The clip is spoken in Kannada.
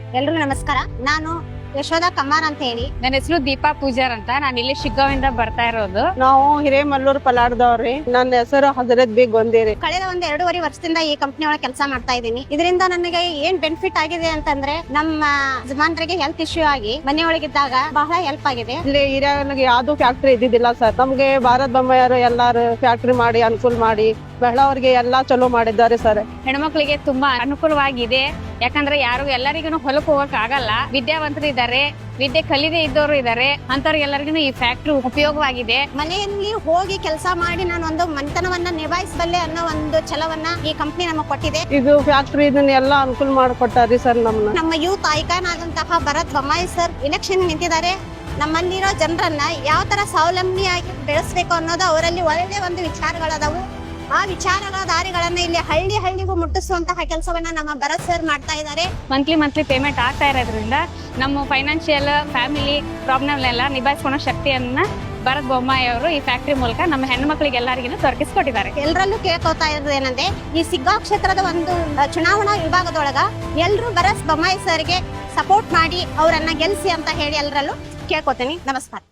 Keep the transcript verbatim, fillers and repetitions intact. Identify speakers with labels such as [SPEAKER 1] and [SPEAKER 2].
[SPEAKER 1] ಎಲ್ರಿಗೂ ನಮಸ್ಕಾರ. ನಾನು ಯಶೋಧ ಕಮ್ಮಾರ್ ಅಂತ ಹೇಳಿ.
[SPEAKER 2] ನನ್ನ ಹೆಸರು ದೀಪಾ ಪೂಜಾರ್ ಅಂತ. ನಾನು ಇಲ್ಲಿ ಶಿಗ್ಗಾವಿಂದ ಬರ್ತಾ ಇರೋದು.
[SPEAKER 3] ನಾವು ಹಿರೇಮಲ್ಲೂರ್ ಪಲಾಡ್ದವ್ರಿ. ನನ್ನ ಹೆಸರು ಹಜರತ್ ಬಿ ಗೊಂದೇರಿ.
[SPEAKER 1] ಕಳೆದ ಒಂದ್ ಎರಡೂವರೆ ವರ್ಷದಿಂದ ಈ ಕಂಪನಿ ಒಳಗೆ ಕೆಲಸ ಮಾಡ್ತಾ ಇದ್ದೀನಿ. ಇದರಿಂದ ನನಗೆ ಏನ್ ಬೆನಿಫಿಟ್ ಆಗಿದೆ ಅಂತಂದ್ರೆ ನಮ್ಮ ಯಜಮಾನರಿಗೆ ಹೆಲ್ತ್ ಇಶ್ಯೂ ಆಗಿ ಮನೆಯೊಳಗಿದ್ದಾಗ ಬಹಳ ಹೆಲ್ಪ್ ಆಗಿದೆ.
[SPEAKER 3] ಇಲ್ಲಿ ಹಿರಿಯಾಗಿ ಯಾವ್ದು ಫ್ಯಾಕ್ಟ್ರಿ ಇದ್ದಿದ್ದಿಲ್ಲ ಸರ್. ನಮ್ಗೆ ಭಾರತ್ ಬೊಮ್ಮಾಯರು ಎಲ್ಲಾರು ಫ್ಯಾಕ್ಟ್ರಿ ಮಾಡಿ ಅನುಕೂಲ ಮಾಡಿ ಬಹಳವ್ರಿಗೆ ಎಲ್ಲಾ ಚಲೋ ಮಾಡಿದ್ದಾರೆ ಸರ್.
[SPEAKER 2] ಹೆಣ್ಮಕ್ಳಿಗೆ ತುಂಬಾ ಅನುಕೂಲವಾಗಿದೆ. ಯಾಕಂದ್ರೆ ಯಾರು ಎಲ್ಲರಿಗೂ ಹೊಲಕ್ಕೆ ಹೋಗಕ್ ಆಗಲ್ಲ. ವಿದ್ಯಾವಂತರು ಇದ್ದಾರೆ, ವಿದ್ಯೆ ಕಲಿದೇ ಇದ್ದವರು ಇದ್ದಾರೆ. ಅಂತವ್ರಿಗೆಲ್ಲರಿಗೂ ಈ ಫ್ಯಾಕ್ಟ್ರಿ ಉಪಯೋಗವಾಗಿದೆ.
[SPEAKER 1] ಮನೆಯಲ್ಲಿ ಹೋಗಿ ಕೆಲಸ ಮಾಡಿ ನಾನು ಒಂದು ಮನೆತನವನ್ನ ನಿಭಾಯಿಸಬಲ್ಲೆ ಅನ್ನೋ ಒಂದು ಛಲವನ್ನ ಈ ಕಂಪನಿ ನಮಗೆ ಕೊಟ್ಟಿದೆ.
[SPEAKER 3] ಇದು ಫ್ಯಾಕ್ಟ್ರಿ ಇದನ್ನ ಎಲ್ಲಾ ಅನುಕೂಲ ಮಾಡಿಕೊಟ್ಟಾರಿ ಸರ್. ನಮ್ಮನ್ನ
[SPEAKER 1] ನಮ್ಮ ಯೂತ್ ಐಕಾನ್ ಆದಂತಹ ಭರತ್ ಬೊಮ್ಮಾಯಿ ಸರ್ ಇಲೆಕ್ಷನ್ ನಿಂತಿದ್ದಾರೆ. ನಮ್ಮಲ್ಲಿರೋ ಜನರನ್ನ ಯಾವ ತರ ಸ್ವಾವಲಂಬಿಯಾಗಿ ಬೆಳೆಸಬೇಕು ಅನ್ನೋದು ಅವರಲ್ಲಿ ಒಳ್ಳೆ ಒಂದು ವಿಚಾರಗಳದಾವು. ಆ ವಿಚಾರಗಳ ದಾರಿಗಳನ್ನ ಇಲ್ಲಿ ಹಳ್ಳಿ ಹಳ್ಳಿಗೂ ಮುಟ್ಟಿಸುವಂತಹ ಕೆಲಸವನ್ನ ನಮ್ಮ ಭರತ್ ಸರ್ ಮಾಡ್ತಾ ಇದ್ದಾರೆ.
[SPEAKER 2] ಮಂತ್ಲಿ ಮಂತ್ಲಿ ಪೇಮೆಂಟ್ ಆಗ್ತಾ ಇರೋದ್ರಿಂದ ನಮ್ಮ ಫೈನಾನ್ಷಿಯಲ್ ಫ್ಯಾಮಿಲಿ ಪ್ರಾಬ್ಲಮ್ ಎಲ್ಲ ನಿಭಾಯಿಸ್ಕೊಳ್ಳೋ ಶಕ್ತಿಯನ್ನ ಭರತ್ ಬೊಮ್ಮಾಯಿ ಅವರು ಈ ಫ್ಯಾಕ್ಟ್ರಿ ಮೂಲಕ ನಮ್ಮ ಹೆಣ್ಣು ಎಲ್ಲರಿಗೂ ದೊರಕಿಸ್ಕೊಟ್ಟಿದ್ದಾರೆ.
[SPEAKER 1] ಎಲ್ಲರಲ್ಲೂ ಕೇಳ್ಕೊತಾ ಇರೋದು ಏನಂದ್ರೆ ಈ ಸಿಗ್ಗಾಂವ್ ಕ್ಷೇತ್ರದ ಒಂದು ಚುನಾವಣಾ ವಿಭಾಗದೊಳಗ ಎಲ್ರು ಭರತ್ ಬೊಮ್ಮಾಯಿ ಸರ್ಗೆ ಸಪೋರ್ಟ್ ಮಾಡಿ ಅವರನ್ನ ಗೆಲ್ಸಿ ಅಂತ ಹೇಳಿ ಎಲ್ಲರಲ್ಲೂ ಕೇಳ್ಕೊತೀನಿ. ನಮಸ್ಕಾರ.